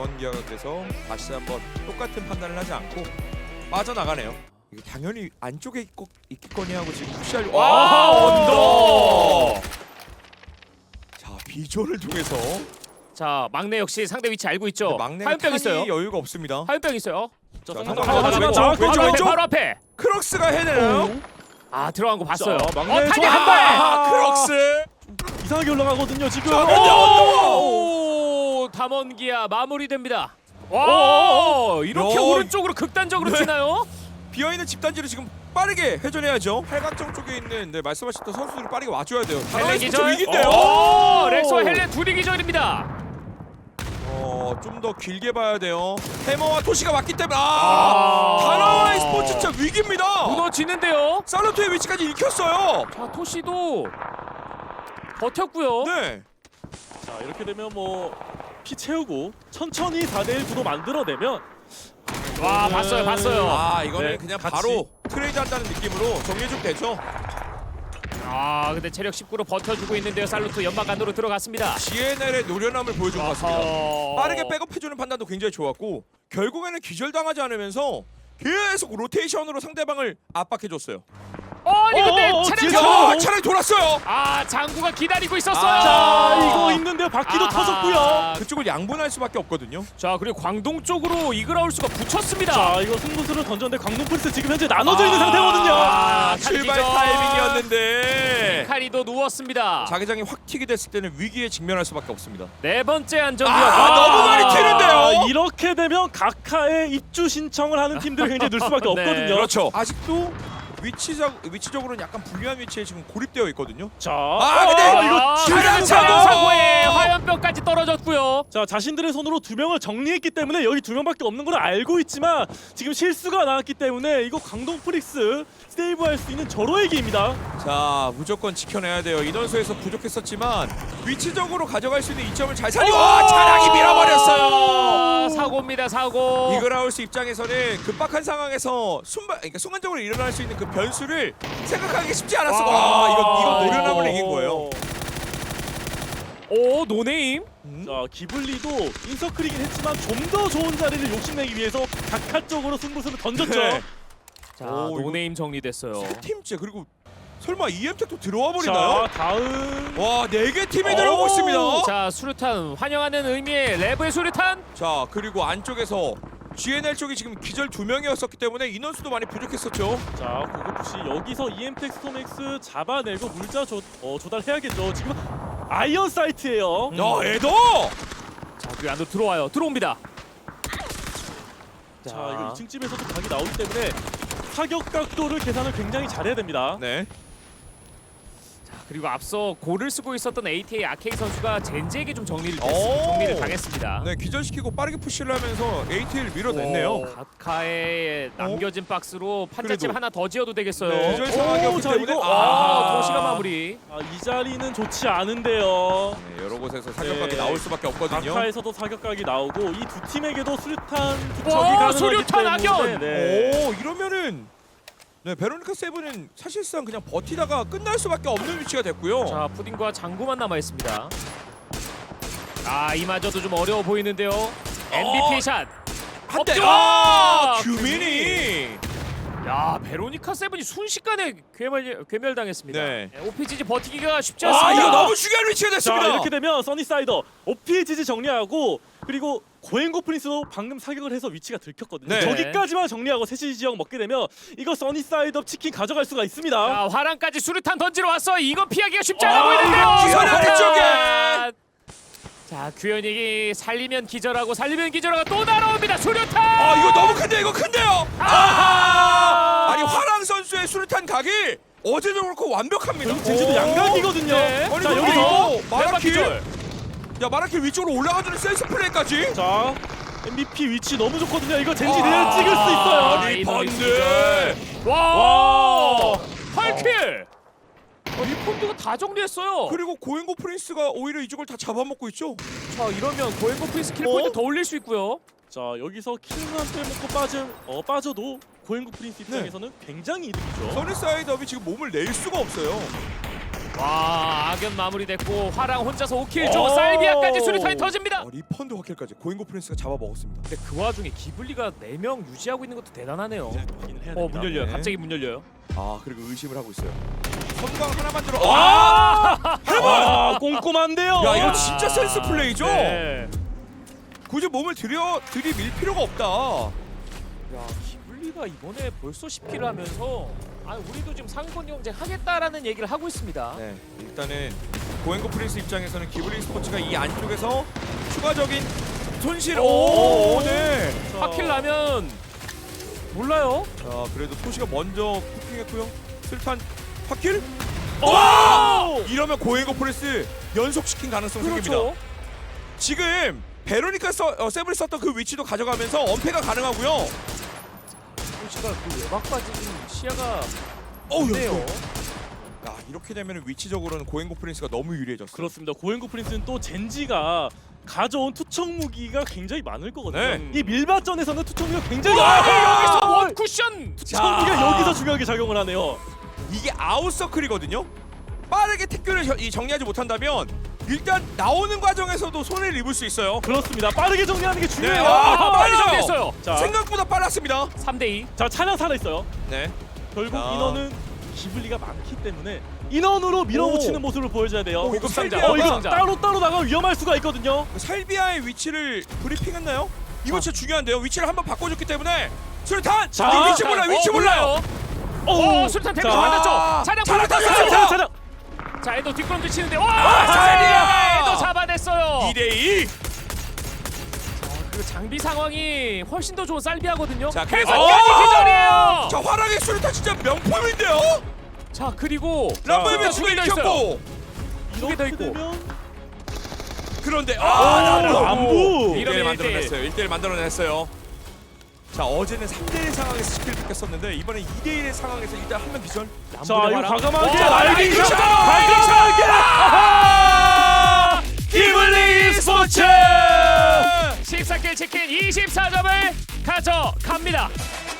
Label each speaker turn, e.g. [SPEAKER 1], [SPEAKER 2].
[SPEAKER 1] 담원기아에서 다시 한번 똑같은 판단을 하지 않고 빠져나가네요. 이게 당연히 안쪽에 있겠거니 하고 지금 푸시하려고. 언더. 자, 비전을 통해서
[SPEAKER 2] 자, 막내 역시 상대 위치 알고 있죠.
[SPEAKER 1] 막내가
[SPEAKER 2] 화염병
[SPEAKER 1] 탄이
[SPEAKER 2] 있어요.
[SPEAKER 1] 여유가 없습니다.
[SPEAKER 2] 화염병 있어요.
[SPEAKER 1] 자,
[SPEAKER 2] 상대
[SPEAKER 1] 하지만 저
[SPEAKER 2] 바로 앞에,
[SPEAKER 1] 왼쪽.
[SPEAKER 2] 바로 앞에.
[SPEAKER 1] 크록스가 해내나요?
[SPEAKER 2] 아, 들어간 거 봤어요.
[SPEAKER 3] 자, 막내
[SPEAKER 2] 탄이
[SPEAKER 3] 저-
[SPEAKER 2] 한 발.
[SPEAKER 1] 크록스.
[SPEAKER 3] 이상하게 올라가거든요 지금.
[SPEAKER 1] 자,
[SPEAKER 2] 오, 담원기아 마무리됩니다. 와, 이렇게
[SPEAKER 1] 야.
[SPEAKER 2] 오른쪽으로 극단적으로
[SPEAKER 1] 네.
[SPEAKER 2] 튀나요?
[SPEAKER 1] 비어있는 집단지를 지금 빠르게 회전해야죠. 팔각정 쪽에 있는 말씀하셨던 선수들이 빠르게 와줘야 돼요.
[SPEAKER 2] 헬렌 기절.
[SPEAKER 1] 위기인데요.
[SPEAKER 2] 오, 렉스와 헬렌 둘이 기절입니다.
[SPEAKER 1] 좀 더 길게 봐야 돼요. 해머와 토시가 왔기 때문에
[SPEAKER 2] 아.
[SPEAKER 1] 다나와의 스포츠 진짜 위기입니다.
[SPEAKER 2] 무너지는데요.
[SPEAKER 1] 살로트의 위치까지 읽혔어요.
[SPEAKER 2] 자, 토시도 버텼고요.
[SPEAKER 1] 네.
[SPEAKER 3] 자 이렇게 되면 뭐 피 채우고 천천히 4대1 구도 만들어내면
[SPEAKER 2] 와, 봤어요.
[SPEAKER 1] 이거는
[SPEAKER 3] 네,
[SPEAKER 1] 그냥
[SPEAKER 3] 같이.
[SPEAKER 1] 바로 트레이드 한다는 느낌으로 정리해주면 되죠.
[SPEAKER 2] 아, 근데 체력 19로 버텨주고 있는데요. 살루트 연막 안으로 들어갔습니다.
[SPEAKER 1] GNL의 노련함을 보여준 것 같습니다.
[SPEAKER 2] 어허.
[SPEAKER 1] 빠르게 백업해주는 판단도 굉장히 좋았고 결국에는 기절당하지 않으면서 계속 로테이션으로 상대방을 압박해줬어요.
[SPEAKER 2] 아니 근데 차량
[SPEAKER 1] 차라리 돌았어요.
[SPEAKER 2] 아, 장구가 기다리고 있었어요.
[SPEAKER 3] 자 이거 있는데요 바퀴도
[SPEAKER 2] 아하.
[SPEAKER 3] 터졌고요.
[SPEAKER 1] 그쪽을 양분할 수밖에 없거든요.
[SPEAKER 2] 자, 그리고 광동 쪽으로 이그라울스가 붙였습니다.
[SPEAKER 3] 자 이거 승부수를 던졌는데 광동 프리스 지금 현재 나눠져 있는 상태거든요.
[SPEAKER 1] 출발
[SPEAKER 2] 기절.
[SPEAKER 1] 타이밍이었는데
[SPEAKER 2] 카리도 누웠습니다.
[SPEAKER 1] 자기장이 확 튀게 됐을 때는 위기에 직면할 수밖에 없습니다.
[SPEAKER 2] 네 번째 안전기어.
[SPEAKER 1] 너무 많이 튀는데요.
[SPEAKER 3] 이렇게 되면 각하의 입주 신청을 하는 팀들이 굉장히 늘 수밖에
[SPEAKER 2] 네.
[SPEAKER 3] 없거든요.
[SPEAKER 1] 그렇죠. 아직도 위치적으로는 약간 불리한 위치에 지금 고립되어 있거든요.
[SPEAKER 3] 자,
[SPEAKER 1] 근데
[SPEAKER 3] 이거
[SPEAKER 1] 차량
[SPEAKER 2] 차량
[SPEAKER 1] 사고!
[SPEAKER 2] 사고에 화염병까지 떨어졌고요.
[SPEAKER 3] 자 자신들의 손으로 2명을 정리했기 때문에 여기 2명밖에 없는 걸 알고 있지만 지금 실수가 나왔기 때문에 이거 광동 프릭스 세이브할 수 있는 절호의 기회입니다.
[SPEAKER 1] 자, 무조건 지켜내야 돼요. 인원수에서 부족했었지만 위치적으로 가져갈 수 있는 이점을 잘 살리고 차량이 밀어버렸어요.
[SPEAKER 2] 아, 사고입니다, 사고.
[SPEAKER 1] 이그라울스 입장에서는 급박한 상황에서 그러니까 순간적으로 일어날 수 있는 그 변수를 생각하기 쉽지 않았어. 이거 노련함을 이긴 거예요.
[SPEAKER 2] 오, 노네임.
[SPEAKER 3] 자 기블리도 인서클이긴 했지만 좀 더 좋은 자리를 욕심내기 위해서 각하 쪽으로 승부수를 던졌죠.
[SPEAKER 1] 네.
[SPEAKER 2] 자,
[SPEAKER 1] 오, 이거
[SPEAKER 2] 노네임 정리됐어요.
[SPEAKER 1] 세 팀째. 그리고 설마 EM택도 들어와 버리나요?
[SPEAKER 3] 자 다음
[SPEAKER 1] 와, 4개 팀이 들어오고 있습니다.
[SPEAKER 2] 자, 수류탄 환영하는 의미의 레브의 수류탄.
[SPEAKER 1] 자, 그리고 안쪽에서 GNL 쪽이 지금 기절 2명이었었기 때문에 인원수도 많이 부족했었죠.
[SPEAKER 3] 자 고급부시 여기서 EM텍 스톰엑스 잡아내고 물자 조달해야겠죠. 지금 아이언 사이트예요.
[SPEAKER 1] 에더!
[SPEAKER 2] 자, 그 안으로 들어옵니다.
[SPEAKER 3] 자 이거 2층 집에서도 각이 나오기 때문에 타격 각도를 계산을 굉장히 잘해야 됩니다.
[SPEAKER 1] 네.
[SPEAKER 2] 그리고 앞서 골을 쓰고 있었던 ATA 아케이 선수가 젠지에게 좀 정리를 당했습니다.
[SPEAKER 1] 네, 기절시키고 빠르게 푸시를 하면서 AT를 밀어냈네요.
[SPEAKER 2] 가카에 남겨진 박스로 판자집
[SPEAKER 1] 그래도.
[SPEAKER 2] 하나 더 지어도 되겠어요.
[SPEAKER 1] 네, 기절 상황이었기
[SPEAKER 3] 자,
[SPEAKER 1] 때문에
[SPEAKER 3] 이거
[SPEAKER 2] 도시가 마무리.
[SPEAKER 3] 이 자리는 좋지 않은데요.
[SPEAKER 1] 네, 여러 곳에서 사격각이
[SPEAKER 3] 네.
[SPEAKER 1] 나올 수밖에 없거든요.
[SPEAKER 3] 각하에서도 사격각이 나오고 이 두 팀에게도 수류탄 투척이
[SPEAKER 2] 와,
[SPEAKER 3] 가능하기
[SPEAKER 2] 수류탄
[SPEAKER 3] 때문에
[SPEAKER 2] 악연!
[SPEAKER 3] 네.
[SPEAKER 1] 이러면은 베로니카 세븐은 사실상 그냥 버티다가 끝날 수밖에 없는 위치가 됐고요.
[SPEAKER 2] 자, 푸딩과 장구만 남아 있습니다. 이마저도 좀 어려워 보이는데요. MVP 샷.
[SPEAKER 1] 한 대.
[SPEAKER 2] 없죠!
[SPEAKER 1] 규민이.
[SPEAKER 2] 야, 베로니카 세븐이 순식간에 괴멸당했습니다.
[SPEAKER 1] 네.
[SPEAKER 2] OPGG 버티기가 쉽지 않습니다.
[SPEAKER 1] 이거 너무 중요한 위치가
[SPEAKER 3] 자
[SPEAKER 1] 됐습니다.
[SPEAKER 3] 이렇게 되면 써니사이더 OPGG 정리하고 그리고 고행고 프린스도 방금 사격을 해서 위치가 들켰거든요.
[SPEAKER 1] 네.
[SPEAKER 3] 저기까지만 정리하고 세시 지역 먹게 되면 이거 써니사이더 치킨 가져갈 수가 있습니다.
[SPEAKER 2] 자, 화랑까지 수류탄 던지러 왔어. 이거 피하기가 쉽지 않아 보이는데요.
[SPEAKER 1] 기절 아래쪽에.
[SPEAKER 2] 자, 규현이 살리면 기절하고 살리면 기절하고 또 날아옵니다. 수류탄.
[SPEAKER 1] 이거 너무 큰데 이거 큰데요. 아니 화랑 선수의 수류탄 각이 어제도 그렇고 완벽합니다.
[SPEAKER 3] 젠지도 양각이거든요.
[SPEAKER 2] 네.
[SPEAKER 1] 아니,
[SPEAKER 3] 자
[SPEAKER 1] 그리고
[SPEAKER 3] 여기서
[SPEAKER 1] 이거 마라킬.
[SPEAKER 2] 기절.
[SPEAKER 1] 야, 마라킬 위쪽으로 올라가주는 센스 플레이까지.
[SPEAKER 3] 자 MVP 위치 너무 좋거든요. 이거 젠지 내일 찍을 수 있어요.
[SPEAKER 1] 아니 번들.
[SPEAKER 2] 와! 8킬. 리폰드가 다 정리했어요.
[SPEAKER 1] 그리고 고행고 프린스가 오히려 이쪽을 다 잡아먹고 있죠.
[SPEAKER 2] 자, 이러면 고행고 프린스 킬 포인트 더 올릴 수 있고요.
[SPEAKER 3] 자 여기서 킬만 빼먹고 빠져도 고행고 프린스 입장에서는 굉장히 이득이죠.
[SPEAKER 1] 써니사이드업이 지금 몸을 낼 수가 없어요.
[SPEAKER 2] 와, 악연 마무리됐고 화랑 혼자서 5킬 줘. 살비아까지 수류탄이 터집니다.
[SPEAKER 1] 리펀드 확킬까지 고잉고 프린스가 잡아먹었습니다.
[SPEAKER 2] 근데 그 와중에 기블리가 4명 유지하고 있는 것도 대단하네요.
[SPEAKER 3] 확인을 해야
[SPEAKER 2] 문
[SPEAKER 3] 됩니다.
[SPEAKER 2] 열려요.
[SPEAKER 1] 네.
[SPEAKER 2] 갑자기 문 열려요.
[SPEAKER 1] 아 그리고 의심을 하고 있어요. 선광 하나만 들어.
[SPEAKER 3] 아, 꼼꼼한데요.
[SPEAKER 1] 야 이거 진짜 센스 플레이죠.
[SPEAKER 2] 네.
[SPEAKER 1] 굳이 몸을 들이밀 필요가 없다.
[SPEAKER 2] 야, 기블리가 이번에 벌써 10킬을 하면서 우리도 지금 상위권 경쟁 하겠다라는 얘기를 하고 있습니다.
[SPEAKER 1] 네, 일단은 고행고 프린스 입장에서는 기블리 스포츠가 이 안쪽에서 추가적인 손실. 네.
[SPEAKER 3] 자,
[SPEAKER 2] 4킬 나면 몰라요.
[SPEAKER 1] 자, 그래도 토시가 먼저 쿠킹했고요. 슬탄 확킬.
[SPEAKER 2] 오!
[SPEAKER 1] 이러면 고행고 프린스 연속시킨 가능성 생깁니다.
[SPEAKER 2] 그렇죠.
[SPEAKER 1] 지금 베로니카 세브리 썼던 그 위치도 가져가면서 엄폐가 가능하고요.
[SPEAKER 2] 토시가 그 외곽까지 시야가
[SPEAKER 1] 어우,
[SPEAKER 2] 없네요.
[SPEAKER 1] 야, 이렇게 되면 위치적으로는 고행고 프린스가 너무 유리해졌어요.
[SPEAKER 3] 그렇습니다. 고행고 프린스는 또 젠지가 가져온 투척 무기가 굉장히 많을 거거든요.
[SPEAKER 1] 네.
[SPEAKER 3] 이 밀밭전에서는 투척 무기가 굉장히
[SPEAKER 2] 여기서 원 쿠션.
[SPEAKER 3] 투척 무기가 여기서 중요하게 작용을 하네요.
[SPEAKER 1] 이게 아웃서클이거든요. 빠르게 태클을 정리하지 못한다면 일단 나오는 과정에서도 손해를 입을 수 있어요.
[SPEAKER 3] 그렇습니다. 빠르게 정리하는 게 중요해요.
[SPEAKER 2] 빨리
[SPEAKER 1] 빨라요.
[SPEAKER 2] 정리했어요.
[SPEAKER 3] 자,
[SPEAKER 1] 생각보다 빨랐습니다.
[SPEAKER 2] 3대2.
[SPEAKER 3] 자, 차량 살아 있어요.
[SPEAKER 1] 네.
[SPEAKER 3] 결국
[SPEAKER 1] 자.
[SPEAKER 3] 인원은 기블리가 많기 때문에 인원으로 밀어붙이는 모습을 보여줘야 돼요.
[SPEAKER 1] 이거
[SPEAKER 2] 상자.
[SPEAKER 1] 살비아가
[SPEAKER 3] 이거
[SPEAKER 2] 상자.
[SPEAKER 3] 따로 나가면 위험할 수가 있거든요.
[SPEAKER 1] 살비아의 위치를 브리핑했나요? 이거 진짜 중요한데요. 위치를 한번 바꿔줬기 때문에 수류탄!
[SPEAKER 3] 자.
[SPEAKER 1] 이거 위치 몰라 위치 몰라요.
[SPEAKER 2] 수류탄 데미지
[SPEAKER 3] 자.
[SPEAKER 2] 받았죠. 차량
[SPEAKER 1] 차량
[SPEAKER 2] 받았어요.
[SPEAKER 1] 탔어요.
[SPEAKER 2] 자, 에도 뒷걸음질 치는데
[SPEAKER 1] 살비아!
[SPEAKER 2] 에도 잡아냈어요.
[SPEAKER 1] 2대2.
[SPEAKER 2] 그 장비 상황이 훨씬 더 좋은 살비아거든요.
[SPEAKER 1] 자, 그래서
[SPEAKER 2] 해설까지 기절이에요.
[SPEAKER 1] 자, 화랑의 수류탄 진짜 명품인데요.
[SPEAKER 2] 자, 그리고
[SPEAKER 1] 람보이면
[SPEAKER 2] 자,
[SPEAKER 1] 두개
[SPEAKER 2] 두개더 있어요.
[SPEAKER 1] 익혔고.
[SPEAKER 2] 두개 더 있고.
[SPEAKER 3] 되면
[SPEAKER 1] 그런데
[SPEAKER 3] 람부.
[SPEAKER 1] 네, 1대1
[SPEAKER 2] 이러면
[SPEAKER 1] 만들어냈어요. 1대1 만들어냈어요. 자, 어제는 3대1 상황에서 스킬 뺏겼었는데 이번엔 2대1의 상황에서 일단 한 명 기절.
[SPEAKER 3] 자, 이거 과감하게
[SPEAKER 1] 와,
[SPEAKER 3] 라이딩 샷!
[SPEAKER 1] 샷!
[SPEAKER 3] 과감하게! 아하!
[SPEAKER 1] 기블리 스포츠!
[SPEAKER 2] 14킬 치킨 24점을 가져갑니다.